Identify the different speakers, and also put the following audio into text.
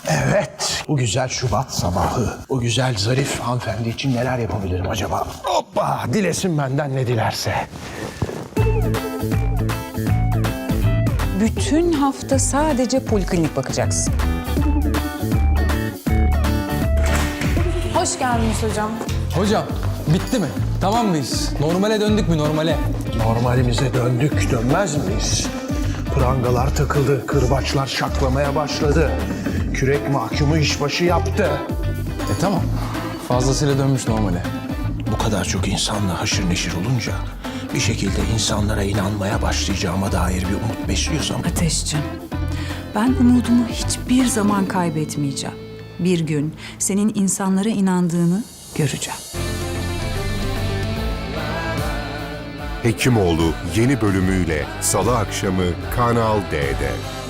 Speaker 1: Evet, bu güzel Şubat sabahı, o güzel zarif hanımefendi için neler yapabilirim acaba? Hoppa, dilesin benden ne dilerse.
Speaker 2: Bütün hafta sadece poliklinik bakacaksın. Hoş geldiniz hocam.
Speaker 3: Hocam bitti mi? Tamam mıyız? Normale döndük mü normale?
Speaker 1: Normalimize döndük, dönmez miyiz? Prangalar takıldı, kırbaçlar şaklamaya başladı. Kürek mahkumu işbaşı yaptı.
Speaker 3: Tamam. Fazlasıyla dönmüş normale.
Speaker 1: Bu kadar çok insanla haşır neşir olunca bir şekilde insanlara inanmaya başlayacağıma dair bir umut besliyorsam...
Speaker 2: Ateşciğim, ben umudumu hiçbir zaman kaybetmeyeceğim. Bir gün senin insanlara inandığını göreceğim.
Speaker 4: Hekimoğlu yeni bölümüyle Salı akşamı Kanal D'de.